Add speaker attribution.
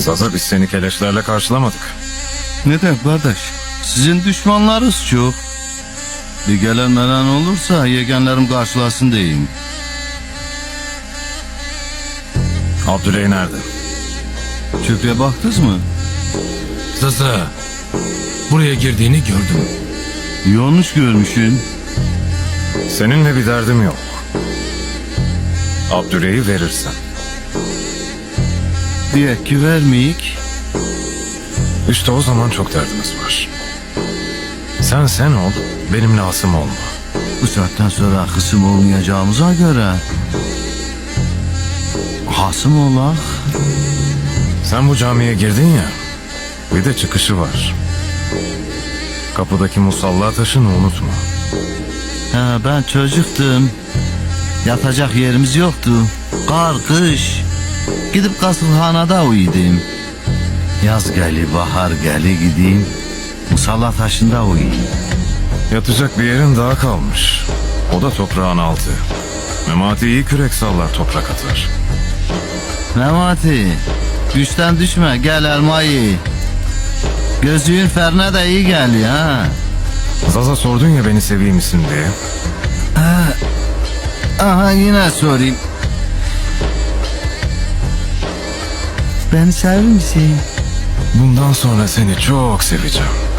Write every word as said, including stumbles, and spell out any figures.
Speaker 1: Zaza biz seni keleşlerle karşılamadık.
Speaker 2: Neden kardeş? Sizin düşmanlarınız çok. Bir gelen melen olursa yegenlerim karşılasın diyeyim.
Speaker 1: Abdüley nerede?
Speaker 2: Çöplüğe baktınız mı?
Speaker 3: Zaza, buraya girdiğini gördüm.
Speaker 2: Yanlış görmüşsün.
Speaker 1: Seninle bir derdim yok. Abdüley'i verirsen.
Speaker 2: Diye ki vermeyik.
Speaker 1: İşte o zaman çok derdimiz var. Sen sen ol, benimle hasım olma.
Speaker 2: Bu saatten sonra kısım olmayacağımıza göre hasım olak.
Speaker 1: Sen bu camiye girdin ya, bir de çıkışı var. Kapıdaki musalla taşını unutma.
Speaker 2: Ha, ben çocuktum. Yatacak yerimiz yoktu. Kar, kış. Gidip kasılhanada uyudum. Yaz geli, bahar geli gideyim. Musalla taşında uyuyayım.
Speaker 1: Yatacak bir yerin daha kalmış. O da toprağın altı. Memati iyi kürek sallar, toprak atar.
Speaker 2: Memati, güçten düşme, gel elmayı. Gözlüğün ferne de iyi geliyor ha.
Speaker 1: Zaza sordun ya beni seveyim misin diye.
Speaker 2: Aha yine sorayım. Beni sever misin?
Speaker 1: Bundan sonra seni çok seveceğim.